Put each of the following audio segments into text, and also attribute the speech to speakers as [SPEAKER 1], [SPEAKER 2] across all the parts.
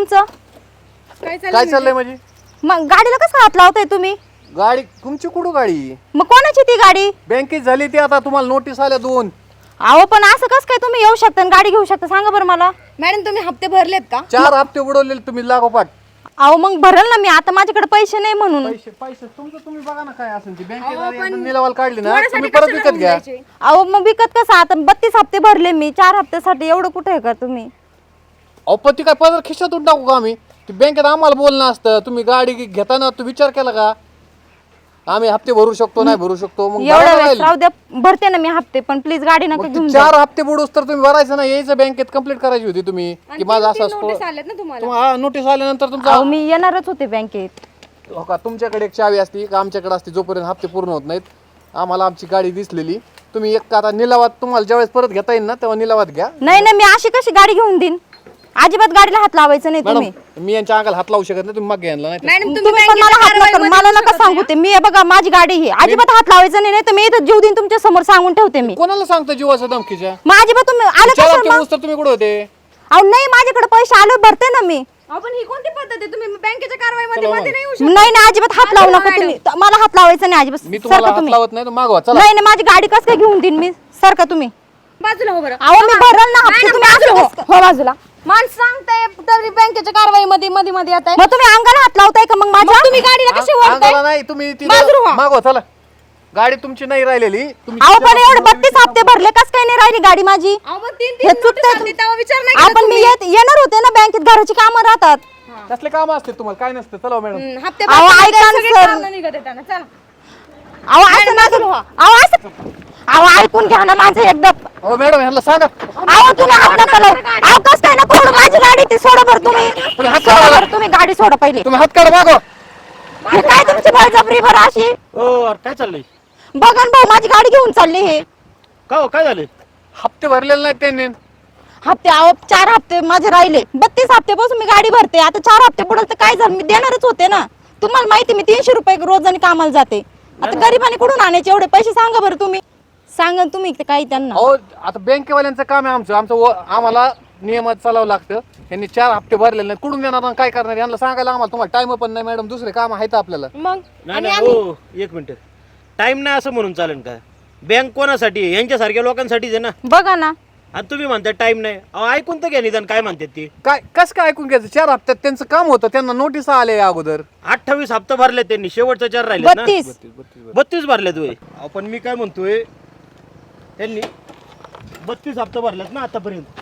[SPEAKER 1] तुमचं?
[SPEAKER 2] काय चाललंय म्हणजे?
[SPEAKER 1] मग गाडीला कसं हात लावताय तुम्ही?
[SPEAKER 2] गाडी तुमची कुठं गाडी?
[SPEAKER 1] मग कोणाची ती गाडी?
[SPEAKER 2] बँकेत झाली ती, आता तुम्हाला नोटीस आल्या 2.
[SPEAKER 1] अहो पण असं कसं काय तुम्ही येऊ शकता आणि गाडी घेऊ शकता सांगा बरं मला.
[SPEAKER 3] मॅडम तुम्ही हप्ते भरलेत का?
[SPEAKER 2] 4 हप्ते उडवलेले तुम्ही लागोपाठ.
[SPEAKER 1] अहो मग भरल ना मी, आता माझ्याकडे पैसे नाही म्हणून.
[SPEAKER 2] पैसे तुमचं तुम्ही बघा ना काय असेल ती बँकेत निलावाला काढली ना, तुम्ही परत
[SPEAKER 3] कशाला
[SPEAKER 2] विकत घ्या.
[SPEAKER 3] राहून जायचे?
[SPEAKER 1] अहो मग विकत कसं, आता 32 हप्ते भरले मी, 4 हप्त्यासाठी एवढं कुठे आहे का तुम्ही?
[SPEAKER 2] अहो पण ती काय पदर खिशातून टाकू का आम्ही? ती बँकेत आम्हाला बोलणं असतं. तुम्ही गाडी घेताना तू विचार केला का आम्ही हप्ते भरू शकतो नाही भरू शकतो? मग
[SPEAKER 1] एवढ्या
[SPEAKER 2] भरायला
[SPEAKER 1] वेळेस
[SPEAKER 2] राहील.
[SPEAKER 1] राहू द्या, भरते ना मी हप्ते, पण प्लीज गाडी नका
[SPEAKER 2] मग
[SPEAKER 1] घेऊन
[SPEAKER 2] ती
[SPEAKER 1] जा.
[SPEAKER 2] 4 हप्ते बुडूस तर तुम्ही भरायचं ना, यायचं बँकेत कंप्लीट करायची होती तुम्ही की माझा असा
[SPEAKER 3] नोटीस आल्यात ना तुम्हाला?
[SPEAKER 2] तुम्हाला नोटीस आल्यानंतर तुमचा
[SPEAKER 1] अहो मी येणारच होते बँकेत.
[SPEAKER 2] हो का, तुमच्याकडे एक चावी असती का आमच्याकडे असते, जोपर्यंत हप्ते पूर्ण होत नाहीत. आम्हाला आमची गाडी दिसलेली, तुम्ही एक आता निलावात तुम्हाला ज्यावेळेस परत घेता येईल ना तेव्हा निलावात घ्या.
[SPEAKER 1] नाही ना, मी अशी कशी गाडी घेऊन देईन? अजिबात गाडीला हात लावायचं नाही तुम्ही.
[SPEAKER 2] मॅडम मी यांच्या अंगाला हात लावू शकत नाही, तुम्ही मग घ्यायला नाही.
[SPEAKER 3] मॅडम
[SPEAKER 1] तुम्ही
[SPEAKER 3] तुम्ही
[SPEAKER 1] पण मला हात नका,
[SPEAKER 3] कारवाईमध्ये
[SPEAKER 1] मला
[SPEAKER 3] येऊ
[SPEAKER 1] नका
[SPEAKER 3] शकत
[SPEAKER 1] सांगू ते. मी बघा माझी गाडी ही अजिबात हात लावायचं नाही, तर मी इथं जीव देईन तुमच्या समोर सांगून ठेवते मी.
[SPEAKER 2] कोणाला सांगता जीवाच्या धमकीच्या?
[SPEAKER 1] मग अजिबात तुम्ही आले
[SPEAKER 2] चार
[SPEAKER 1] का
[SPEAKER 2] हप्ते होऊस तर तुम्ही कुठे होते?
[SPEAKER 1] अहो नाही, माझ्याकडे पैसे आले भरते ना मी.
[SPEAKER 3] आपण ही कोणती पद्धत आहे? तुम्ही बँकेच्या कारवाईमध्ये मध्ये नाही येऊ शकत.
[SPEAKER 1] नाही नाही, अजिबात हात लावू नका तुम्ही. मला हात लावायचं नाही अजिबात.
[SPEAKER 2] मी तुम्हाला
[SPEAKER 1] सारखा
[SPEAKER 2] हात
[SPEAKER 1] तुम्ही.
[SPEAKER 2] लावत नाही तर मागवा चला.
[SPEAKER 1] नाही नाही, माझी गाडी कसं काय घेऊन देईन मी? सारखा तुम्ही.
[SPEAKER 3] बाजूला हो बरं.
[SPEAKER 1] अहो मी भरल ना हप्ते,
[SPEAKER 3] मॅडम,
[SPEAKER 1] तुम्ही
[SPEAKER 3] बाजूला
[SPEAKER 1] असं कसं- हो बाजूला.
[SPEAKER 3] माणसं सांगताय तरी बँकेच्या कारवाईमध्ये मध्ये मध्ये येत आहे.
[SPEAKER 1] मग तुम्ही अंगाला हात लावताय का मग माझ्या?
[SPEAKER 3] तुम्ही गाडीला कशी
[SPEAKER 2] अंगाला
[SPEAKER 3] वळताय?
[SPEAKER 2] नाही, तुम्ही ती
[SPEAKER 3] बाजूला व्हा.
[SPEAKER 2] मागवा चला. गाडी तुमची नाही राहिलेली. तुम्ही
[SPEAKER 1] अहो पण
[SPEAKER 2] तिच्या-
[SPEAKER 1] एवढे 32 हप्ते भरले, कस काय नाही राहिली गाडी माझी?
[SPEAKER 3] अहो, मग तीन
[SPEAKER 1] हे
[SPEAKER 3] तीन
[SPEAKER 1] चुकतंय.
[SPEAKER 3] नोटीस आली, तेव्हा विचार नाही केला
[SPEAKER 1] आपण मी
[SPEAKER 3] तुम्ही?
[SPEAKER 1] येणार होते ना बँकेत, घराची कामं राहतात.
[SPEAKER 2] कसले काम असते तुम्हाला? काय नसतं. चला मॅडम.
[SPEAKER 3] हप्ते
[SPEAKER 1] अहो,
[SPEAKER 3] भरताना
[SPEAKER 1] ऐका ना,
[SPEAKER 3] सगळे
[SPEAKER 1] सर.
[SPEAKER 3] कामं निघत आहेत त्यांना. चला.
[SPEAKER 1] अहो असं नका. अहो असं, अहो ऐकून घ्या ना माझं एकदा.
[SPEAKER 2] हो मॅडम ह्यांना सांगा.
[SPEAKER 1] अहो तुम्ही हात नका लावू. अहो कस काय नको सोडू माझी गाडी, ती सोडा बरं तुम्ही.
[SPEAKER 2] हात
[SPEAKER 1] सोडा
[SPEAKER 2] काढा.
[SPEAKER 1] बरं तुम्ही, गाडी सोडा पहिले.
[SPEAKER 2] तुम्ही हात काढा मागवा.
[SPEAKER 1] हे काय तुमची बळजबरी बरं अशी?
[SPEAKER 4] काय चाललंय?
[SPEAKER 1] बघा ना भाऊ, माझी गाडी घेऊन चालली हे.
[SPEAKER 4] का हो, काय झालं?
[SPEAKER 2] हप्ते भरलेले नाहीत त्यांनी.
[SPEAKER 1] हप्ते अहो 4 हप्ते माझे राहिले. 32 हप्त्यापासून मी गाडी भरते, आता 4 हप्ते पुढे तर काय झालं? मी देणारच होते ना. तुम्हाला माहिती मी 300 रुपये रोजाने कामाला जाते. आता गरीबाने कुठून आणायचे एवढे पैसे सांगा बरं तुम्ही. सांगा तुम्ही ते काही त्यांना.
[SPEAKER 2] अहो आता बँकेवाल्यांचं काम आहे आमचं आम्हाला नियमात चालावं लागतं. यांनी 4 हप्ते भरलेले नाही, कुठून देणार आणि काय करणार? यांना सांगायला आम्हाला तुम्हाला टाइम पण नाही मॅडम, दुसरे काम आहेत आपल्याला.
[SPEAKER 3] मग
[SPEAKER 4] नाही नाही हो, एक मिनिट. टाइम नाही असं म्हणून चालेल का? बँक कोणासाठी आहे? यांच्यासारख्या लोकांसाठीच आहे ना.
[SPEAKER 1] बघा ना.
[SPEAKER 4] आणि तुम्ही म्हणता टाइम नाही. अहो ऐकून तर घ्या निदान काय म्हणतात ती.
[SPEAKER 2] काय कसं काय ऐकून घ्यायचं? 4 हप्त्यात त्यांचं काम होतं, त्यांना नोटीस आले अगोदर.
[SPEAKER 4] 28 हप्ते भरले त्यांनी, शेवटचा 4 राहिले ना.
[SPEAKER 1] 32.
[SPEAKER 4] 32 भरलेत होय. आपण मी काय म्हणतोय, त्यांनी 32 हप्ते भरलेत ना आतापर्यंत.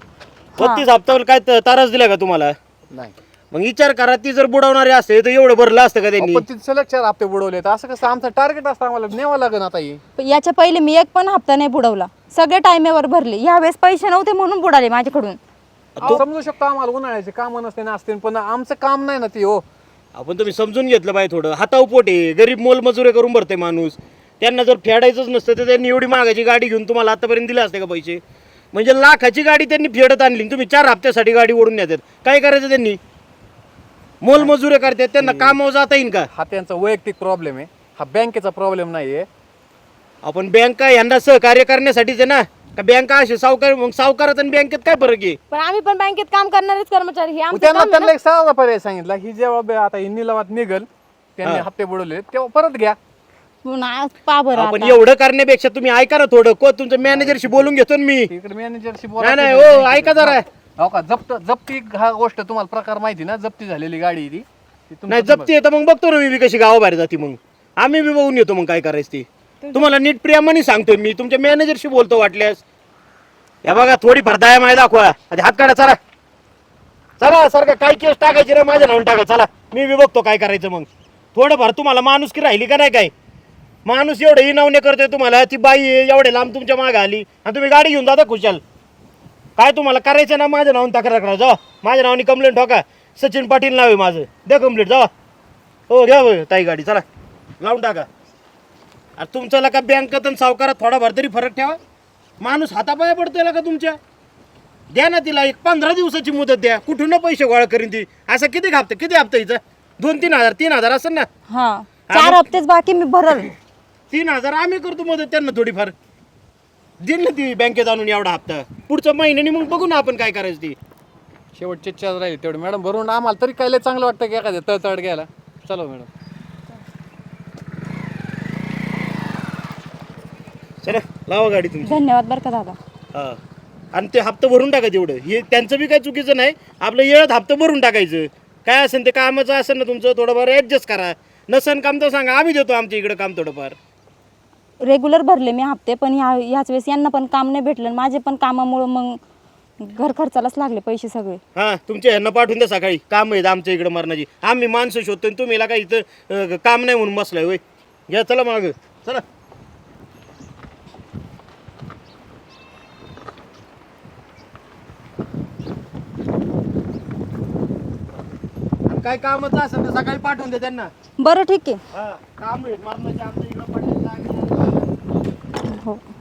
[SPEAKER 4] 32 हप्त्यावर काय तारास दिला का तुम्हाला?
[SPEAKER 2] नाही
[SPEAKER 4] मग विचार करा, ती जर बुडवणारे असते तर एवढं भरलं असतं का त्यांनी?
[SPEAKER 2] पण तिथे सलग 4 हप्ते बुडवले. असं कसं? आमचं टार्गेट असतं, आम्हाला न्यावं लागेल आता हे.
[SPEAKER 1] याच्या पहिले मी एक पण हप्ता नाही बुडवला, सगळे टाइमेवर भरले. यावेळेस पैसे नव्हते म्हणून बुडाले माझ्याकडून.
[SPEAKER 2] समजू शकतो आम्हाला उन्हाळ्याचे काम नसते ना असते, पण आमचं काम नाही ना ते. हो
[SPEAKER 4] आपण तुम्ही समजून घेतलं पाहिजे थोडं. हाताव पोट आहे, गरीब मोलमजुरी करून भरते माणूस. त्यांना जर फेडायचंच नसतं तर त्यांनी एवढी महागाची गाडी घेऊन तुम्हाला आतापर्यंत दिले असते का पैसे? म्हणजे लाखाची गाडी त्यांनी फेडत आणली, तुम्ही 4 हप्त्यासाठी गाडी ओढून नेतात. काय करायचं त्यांनी? मोलमजुरी करतात, त्यांना कामावर जाता येईल का?
[SPEAKER 2] हा त्यांचा वैयक्तिक प्रॉब्लेम आहे, हा बँकेचा प्रॉब्लेम नाहीये.
[SPEAKER 4] आपण बँका यांना सहकार्य करण्यासाठीच आहे ना. का बँका असे सावकार, मग सावकारात आणि बँकेत काय फरक आहे?
[SPEAKER 3] पण आम्ही पण बँकेत काम करणारेच कर्मचारी. हे आमचं
[SPEAKER 2] त्यांना
[SPEAKER 3] काम आहे
[SPEAKER 2] त्यांना
[SPEAKER 3] ना.
[SPEAKER 2] एक साधा पर्याय सांगितला, ही जेव्हा आता ही निलावात निघल, त्यांनी हप्ते बुडवले तेव्हा परत घ्या.
[SPEAKER 1] पुन्हा पा बरं
[SPEAKER 4] आपण
[SPEAKER 1] आता.
[SPEAKER 4] एवढं करण्यापेक्षा तुम्ही ऐका ना थोडं. तुमच्या मॅनेजरशी बोलून घेतो ना मी.
[SPEAKER 2] इकडे मॅनेजरशी
[SPEAKER 4] नाही नाही हो, ऐका जरा.
[SPEAKER 2] हो का, जप्ती हा गोष्ट तुम्हाला प्रकार माहिती ना, जप्ती झालेली गाडी ती तुमचं
[SPEAKER 4] नाही जप्ती येतं मग बघतो ना मी कशी गावाबाहेर जाते. मग आम्ही बी बघून येतो मग काय करायचं ते. तुम्हाला नीट प्रियामाने सांगतोय मी, तुमच्या मॅनेजरशी बोलतो वाटल्यास. या बघा थोडी भरदाय माय दाखवा. आधी हात काढा, चला चला. सारखं काय केस टाकायची रे माझ्या नावून टाका. चला मी बी बघतो काय करायचं. मग थोडंफार तुम्हाला माणूस की राहिली का नाही? काय माणूस एवढं इनावणे करतोय तुम्हाला. ती बाई एवढे लांब तुमच्या मागे आली आणि तुम्ही गाडी घेऊन जाता खुशाल. काय तुम्हाला करायचं ना, माझ्या नावाने तक्रार करा. जा माझ्या नावाने कंप्लेंट ठोका. सचिन पाटील नाव आहे माझं, द्या कंप्लेंट. जा हो, घ्या ताई गाडी, चला लावून टाका. अरे तुमचं का बँकेत आणि सावकारात थोडाफार तरी फरक ठेवा. माणूस हातापाया पडतोय का तुमच्या? द्या ना तिला एक 15 दिवसाची मुदत द्या. कुठून ना पैसे गोळा करीन ती. असं किती हप्ता हिचा? 2-3 हजार, 3 हजार असेल ना.
[SPEAKER 1] हा 4 हप्तेच बाकी मी भरल.
[SPEAKER 4] 3 हजार आम्ही करतो मदत त्यांना थोडीफार. दिल ना ती बँकेत आणून एवढा हप्ता. पुढच्या महिन्याने मग बघू ना आपण काय करायचं ती.
[SPEAKER 2] शेवटचे चार्ज राहील तेवढे मॅडम भरून आम्हाला तरी काय लय चांगलं वाटतं की एखाद्या तळतळ घ्यायला. चला मॅडम.
[SPEAKER 4] चला लावा गाडी तुमची.
[SPEAKER 1] धन्यवाद बरं का दादा.
[SPEAKER 4] हा आणि ते हप्ता भरून टाका तेवढं. हे त्यांचं बी काही चुकीचं नाही. आपलं येळात हप्ता भरून टाकायचं. काय असेल ते कामाचं असेल ना तुमचं थोडंफार ॲडजस्ट करा. नसन काम तर सांगा, आम्ही देतो आमच्या इकडं काम थोडंफार.
[SPEAKER 1] रेग्युलर भरले मी हप्ते, पण ह्याच वेळेस यांना पण काम नाही भेटलं. माझे पण कामामुळं मग घर खर्चालाच लागले पैसे सगळे.
[SPEAKER 4] हां तुमच्या ह्यांना पाठवून द्या सकाळी. काम आहेत आमच्या इकडं मरणाची. आम्ही माणसं शोधतो आणि तुम्ही काय इथं काम नाही म्हणून बसलाय होय. घ्या चला मागं चला. काय कामाचं असेल तर सकाळी पाठवून द्या त्यांना.
[SPEAKER 1] बरं ठीक आहे.
[SPEAKER 4] हा काम आहेत मरणाची आमच्या इकडं पडले.
[SPEAKER 1] हो.